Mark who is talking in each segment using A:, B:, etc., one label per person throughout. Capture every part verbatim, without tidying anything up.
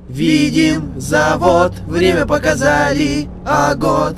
A: Видим завод, время показали, а год.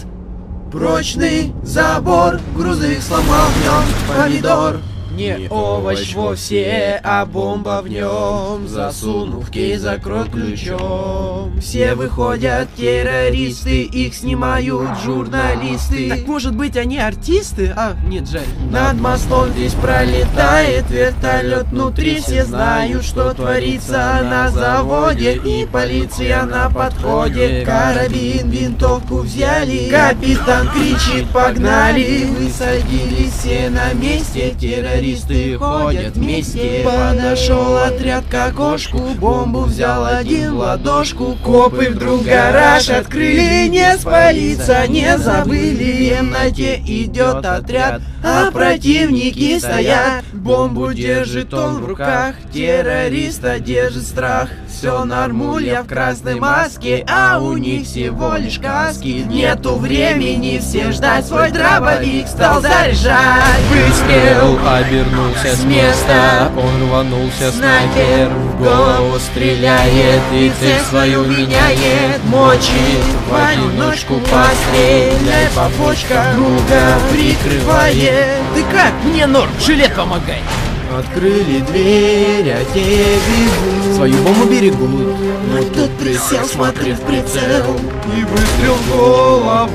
A: Прочный забор, грузовик сломал в нем помидор. Не овощ вовсе, а бомба в нем. Засунув в кейс, закрой ключом. Все выходят террористы, их снимают журналисты.
B: Так может быть они артисты? А, нет, жаль.
A: Над мостом здесь пролетает вертолет. Внутри все знают, что творится на заводе. И полиция на подходе. Карабин, винтовку взяли. Капитан кричит: погнали. Высадились все на месте. Террористы ходят вместе. Подошел отряд к окошку. Бомбу взял один в ладошку. Копы вдруг гараж открыли. Не спалиться не забыли. В темноте идет отряд, а противники стоят. Бомбу держит он в руках. Террориста держит страх. Все нормуль, в красной маске, а у них всего лишь каски. Нету времени все ждать, свой дробовик стал заряжать. Выстрел,
C: обернулся с места, он рванулся, снайпер в голову стреляет и цель свою меняет.
A: Мочит в одиночку, постреляй по почкам, друга прикрывает.
B: Ты как? Мне норм, жилет помогай.
A: Открыли дверь, а те бегут,
B: свою бомбу берегут.
A: Но тут присел, смотрит в прицел, и выстрел в голову.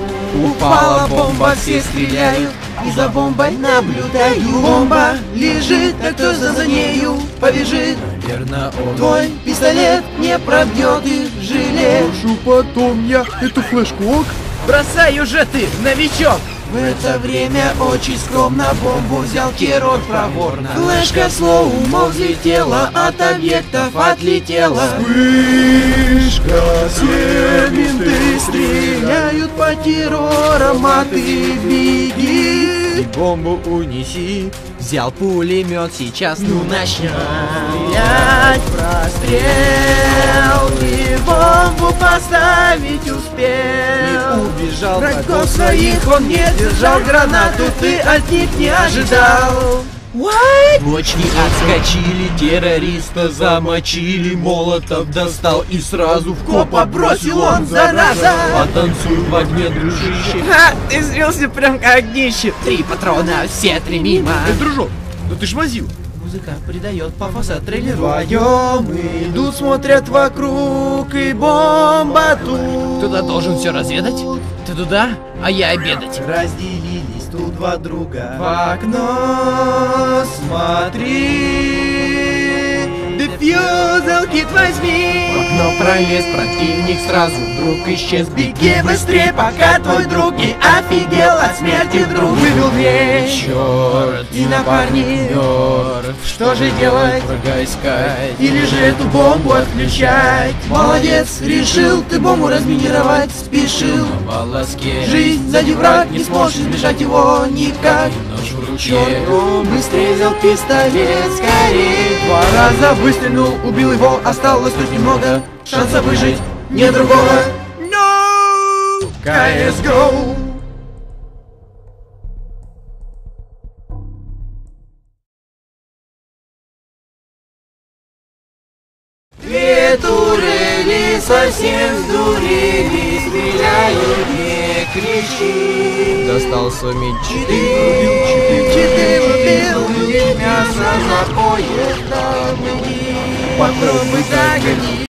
A: Упала бомба, все стреляют, и за бомбой наблюдаю. Бомба лежит, а кто за, за нею побежит?
C: Верно, он.
A: Твой пистолет не пробьет их жилет.
B: Прошу потом я, это флешкок. Бросай уже ты, новичок.
A: В это время очень скромно бомбу взял хирург проворно. Флешка слоумо взлетела, от объектов отлетела. Вспышка, все менты стреляют по террорам, а ты беги.
B: И бомбу унеси. Взял пулемет, сейчас ну начнем
A: стрелять, прострел. И бомбу поставить успел.
B: И убежал.
A: Врагов своих он не держал, гранату ты от них не ожидал. What?
C: Бочки отскочили, террориста замочили, Молотов достал и сразу в
A: Копа бросил он, зараза.
C: Потанцуй в огне, дружище.
B: Ха, ты зрился прям как днище.
A: Три патрона, все три мимо.
B: Эй, дружок, да ты ж возил.
A: Музыка придает пафоса трейлеру. Вдвоем идут, смотрят вокруг, и бомба тут.
B: Кто-то должен все разведать. Ты туда, а я обедать.
A: Разделились тут два друга. В окно смотри. Дефьюзел кит возьми.
C: В окно пролез противник, сразу вдруг исчез.
A: Беги быстрее, пока твой друг не офигел от смерти вдруг. Вывел дверь.
C: Черт,
A: И напарник.
C: мертв.
A: Что же делать?
C: Врага искать.
A: Или же эту бомбу отключать? Молодец, решил ты бомбу разминировать, спешил.
C: На волоске.
A: Жизнь сзади враг, не сможешь избежать его никак.
C: Нож в руке.
A: Чёрт, быстрее взял пистолет, скорее. Два раза выстрелил, убил его, осталось тут немного. Шанса выжить нет другого. No! си эс го! Две турели совсем сдурели, стреляют, не кричи.
C: Достался меч.
A: Четыре, четыре убил, мясо за поезд, попробуй догони.